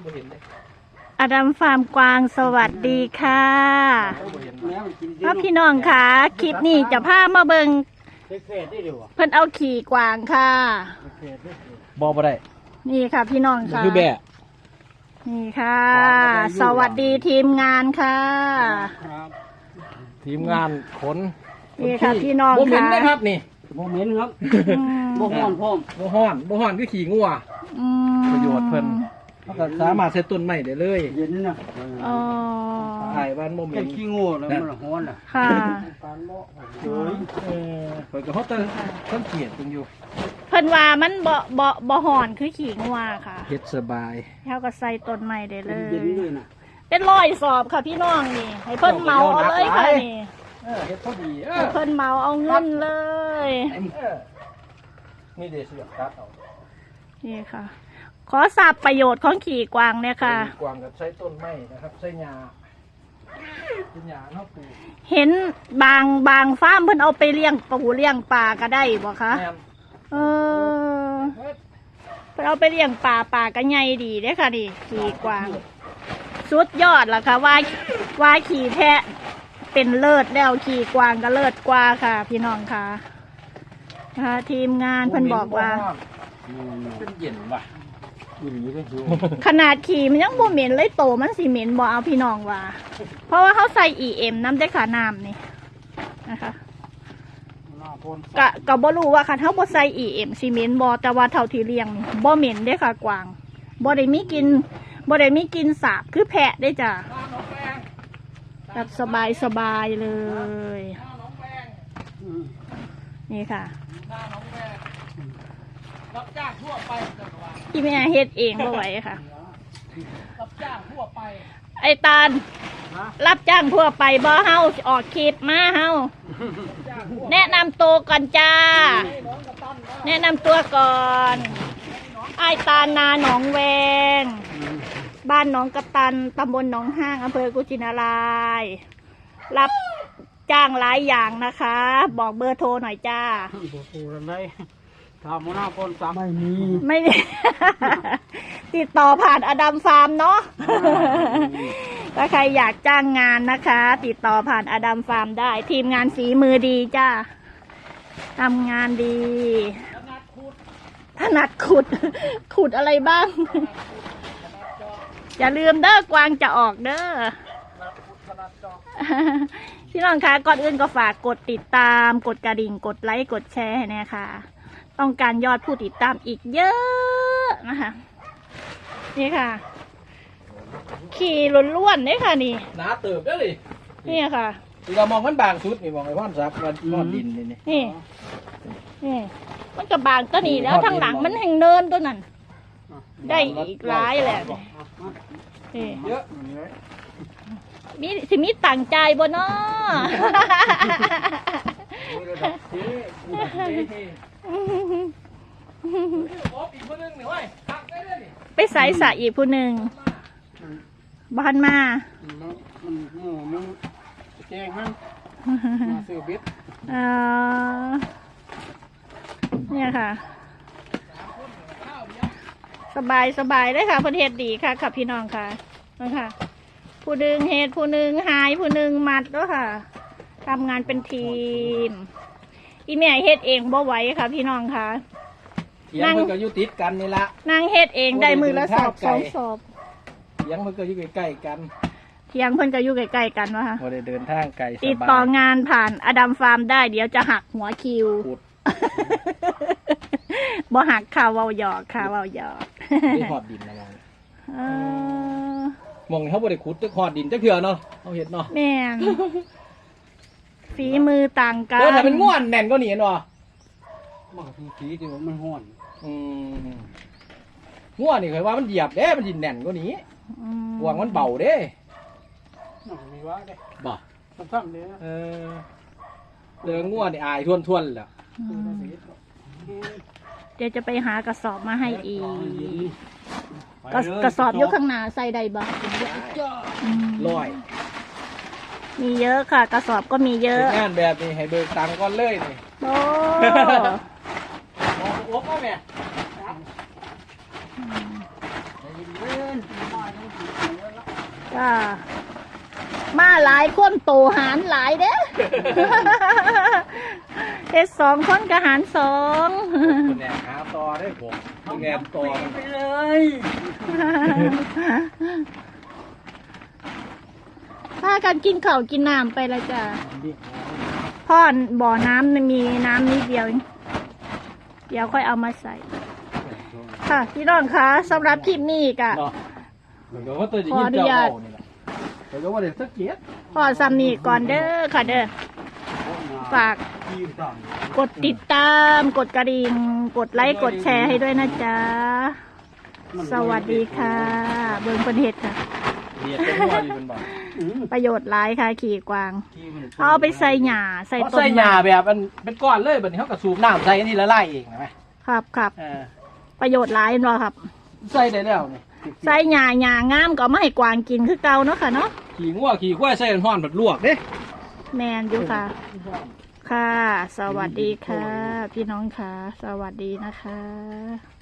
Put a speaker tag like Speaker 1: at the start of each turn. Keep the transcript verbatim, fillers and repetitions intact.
Speaker 1: อดัมฟาร์มกวางสวัสดีค่ะพ่อพี่น้องค่ะคลิปนี้จะพามาเบิงเพิ่นเอาขี่กวางค่ะ
Speaker 2: บอบ่ได้
Speaker 1: นี่ค่ะพี่น้องค่ะคือแบะนี่ค่ะสวัสดีทีมงานค่ะ
Speaker 2: ทีมงานขน
Speaker 1: นี่ค่ะพี่น้องค่ะโมเมนต์
Speaker 2: นะครับนี่
Speaker 3: โมเมนต์ครับโมฮ้อนพ่อม
Speaker 2: โมฮ้อนโมฮ้อนคือขี่งัวประโยชน์เพิ่นเขาก็สามารถใช้ต้นไม้ได้เลย
Speaker 3: เย็นนะ
Speaker 1: อ๋อ
Speaker 2: ถ่ายบ้านโมเมนต์
Speaker 3: ขี้งัวแล้วมันฮ้อนอ่ะ
Speaker 1: ค่ะ
Speaker 2: เฮ้ยเออเพิ่นก็เขาตั้งตั้งเกียรติตรงอยู่
Speaker 1: เพิ่นว่ามันบ่บ่บ่ฮ้อนคือขี่งัวค่ะ
Speaker 2: เฮ็ดสบาย
Speaker 1: เขาก็ใส่ต้นไม้ได้เลย
Speaker 3: เย็นเลยนะ
Speaker 1: เป็นร้อยสอบค่ะพี่น้องนี่ให้เพิ่นเมาเอาเลยค่ะนี่
Speaker 2: เออเฮ็ดพอดี
Speaker 1: เออเพิ่นเมาเอาเงินเลย
Speaker 2: นี่เดี๋ยวสิตัดเอา
Speaker 1: นี่ค่ะขอทราบประโยชน์ของขี่กวางเนี่ยค่ะ
Speaker 2: ขี่กวางกับใช้ต้นไม้นะครับใช้หญ้าเป็นหญ้าเนาะปลูก
Speaker 1: เห็นบางบางฟาร์มเพิ่นเอาไปเลี้ยงปูเลี้ยงปลาก็ได้บ่คะเออเพิ่นเอาไปเลี้ยงปลาปลาก็ใหญ่ดีเด้ค่ะนี่ขี่กวางสุดยอดล่ะค่ะว่าว่าขี่แพะเป็นเลิศแล้วขี่กวางก็เลิศกว่าค่ะพี่น้องค่ะค่ะทีมงานเพิ่นบอกว่า
Speaker 2: เป็นเย็นว่ะ
Speaker 1: ขนาดขี่มันยังบ่เหม็นเลยโตมันสิเหม็นบ่เอาพี่น้องว่าเพราะว่าเขาใส่ อี เอ็ม น้ำได้ขาน้ำนี่นะคะกะกะบ่รู้ว่าคันเขาบ่ใส่ อี เอ็ม สิเหม็นบ่แต่ว่าเท่าที่เลี้ยงนี่บ่เหม็นได้ค่ะกวางบ่ได้มีกินบ่ได้มีกินสาบคือแพะได้จ้ะแบบสบายสบายเลยนี่ค่ะ
Speaker 2: รับจ้างทั่วไป
Speaker 1: ที่แม่เฮ็ดเองบ่ไหวค่ะ
Speaker 2: รับจ้างทั่วไป
Speaker 1: ไอ้ตาลรับจ้างทั่วไปบ่เฮาออกคลิปมาเฮาแนะนำตัวก่อนจ้าแนะนำตัวก่อนไอ้ตาลนาหนองแวงบ้านหนองกระตันตำบลหนองห้างอำเภอกุชินารายรับจ้างหลายอย่างนะคะบอกเบอร์โทรหน่อยจ้า
Speaker 3: เบอร์โทรอะไรทำหัวหน้าคนสามไม่มี
Speaker 1: ไม่ติดต่อผ่านอดัมฟาร์มเนาะถ้าใครอยากจ้างงานนะคะติดต่อผ่านอดัมฟาร์มได้ทีมงานฝีมือดีจ้าทำงานดีถนัดขุดขุดอะไรบ้างอย่าลืมเด้อกวางจะออกเด้อพี่น้องคะก่อนอื่นก็ฝากกดติดตามกดกระดิ่งกดไลค์กดแชร์ให้แน่ค่ะต้องการยอดผู้ติดตามอีกเยอะนะคะนี่ค่ะขี่ล้วนๆนี่ค่ะนี่
Speaker 2: หนาเติบได้เลย
Speaker 1: นี่ค่ะ
Speaker 2: เรามองมันบางสุดนี่มองไอ้ว่านซับมันนอนดินนี่นี่
Speaker 1: นี่มันกับบางตัวนี้แล้วทางหลังมันแห่งเนินตัวนั้นได้อีกหลายแหละนี่
Speaker 2: เยอะ
Speaker 1: มีสิมีต่างใจบ่เนาะไปใส่สะอีกผู้หนึ่งบ้านมา
Speaker 3: แกงมันมาซื้อเบ็ด
Speaker 1: เนี่ยค่ะสบายสบายเลยค่ะประเทศดีค่ะค่ะพี่น้องค่ะนะคะผู้หนึ่งเฮ็ดผู้หนึ่งหายผู้หนึ่งมัดแล้วค่ะทำงานเป็นทีมอีแม่เฮ็ดเองบ่ไหวค่ะพี่น้องค่ะ
Speaker 2: นั่งก็อยู่ติดกันนี่ละ
Speaker 1: นั่งเฮ็ดเองได้มือละสอบสองสอบ
Speaker 2: เถียงเพิ่นก็อยู่ใกล้ๆกัน
Speaker 1: เถียงเพิ่นก็อยู่ใกล้ๆกันวะค่ะ
Speaker 2: บ่ได้เดินทางไกล
Speaker 1: ติดต่องานผ่านอดัมฟาร์มได้เดี๋ยวจะหักหัวคิวบ่หักข่าวเว้าหยอกข่าวเว้าหยอก
Speaker 2: ได้หอดดินอะไรมองเขาบ่ได้ขุดจะหอดดินจะเถื่อเนาะเขาเห็ดเนาะ
Speaker 1: แม่นฝีมือต่างกัน
Speaker 2: เออถ้าเป็นง่วนแน่นก็หนีเนาะ
Speaker 3: มันคือฝีที่ว่ามันห่อน
Speaker 2: อืมง่วนนี่เคยว่ามันเหยียบเด้มันดินแน่นก็หนีหวงมันเบาเด้
Speaker 3: มีว่าเด้
Speaker 2: บ่
Speaker 3: ซ้ำๆเนี่ย
Speaker 2: เออเรื่องง่วนนี่อายทวนๆแหละ
Speaker 1: เดี๋ยวจะไปหากระสอบมาให้อีกกระสอบยกข้างหน้าใส่ได้บ้าง
Speaker 2: ลอย
Speaker 1: มีเยอะค่ะกระสอบก็มีเยอะ
Speaker 2: งานแบบนี้ให้เบิกตังค์ก่อนเลยนี่
Speaker 1: โอ้
Speaker 2: โอ้โหแม่
Speaker 1: ค่ะ มาหลายคนโตหารหลายเด้ เฮ็ดสองคนก็หารสอง
Speaker 2: คุณแหนหาต่อได้ผมคุณแหนต่อ
Speaker 3: ไปเลย
Speaker 1: พากันกินข้าวกินน้ำไปละจ้ะพ่อบ่อน้ำมีน้ำนิดเดียวเองเดี๋ยวค่อยเอามาใส่ ค่ะพี่น้องคะสำหรับคลิปนี้กะ
Speaker 2: เนาะเหมือนกับว่าตัวจะยินเจ้าเอานี่แหละเหมือนกับว่าเด็กสักเกียรติ
Speaker 1: พอซ้ำนี้ก่อนเด้อค่ะเด้อฝากกดติดตามกดกระดิ่งกดไลค์กดแชร์ให้ด้วยนะจ๊ะสวัสดีค่ะ เบิ่งเป็นเห็ดค่ะ
Speaker 2: เดียดเป็นว่าอยู่เป็นบ่
Speaker 1: ประโยชน์หลายค่ะขี่กวางเอาไปใส่หญ้าใส่
Speaker 2: เพราะ
Speaker 1: ต้น
Speaker 2: ใส่หญ้าแบบมันเป็นก้อนเลยแบบนี้เขากระสูบน้ำใส่อันนี้ละลายเองไหม
Speaker 1: ครับครับ
Speaker 2: เออ
Speaker 1: ประโยชน์หลายเนาะครับ
Speaker 2: ใส่ได้แล้วนี่
Speaker 1: ใส่หญ้าหญ้างามก็ไม่ให้กวางกินคือเก่าเนาะค่ะเนาะ
Speaker 2: ขี่งัวขี่ควายใส่ห้อนแบบลวกเด้
Speaker 1: แมนอยู่ค่ะ ค่ะ สวัสดีค่ะ พี่น้องค่ะ สวัสดีนะคะ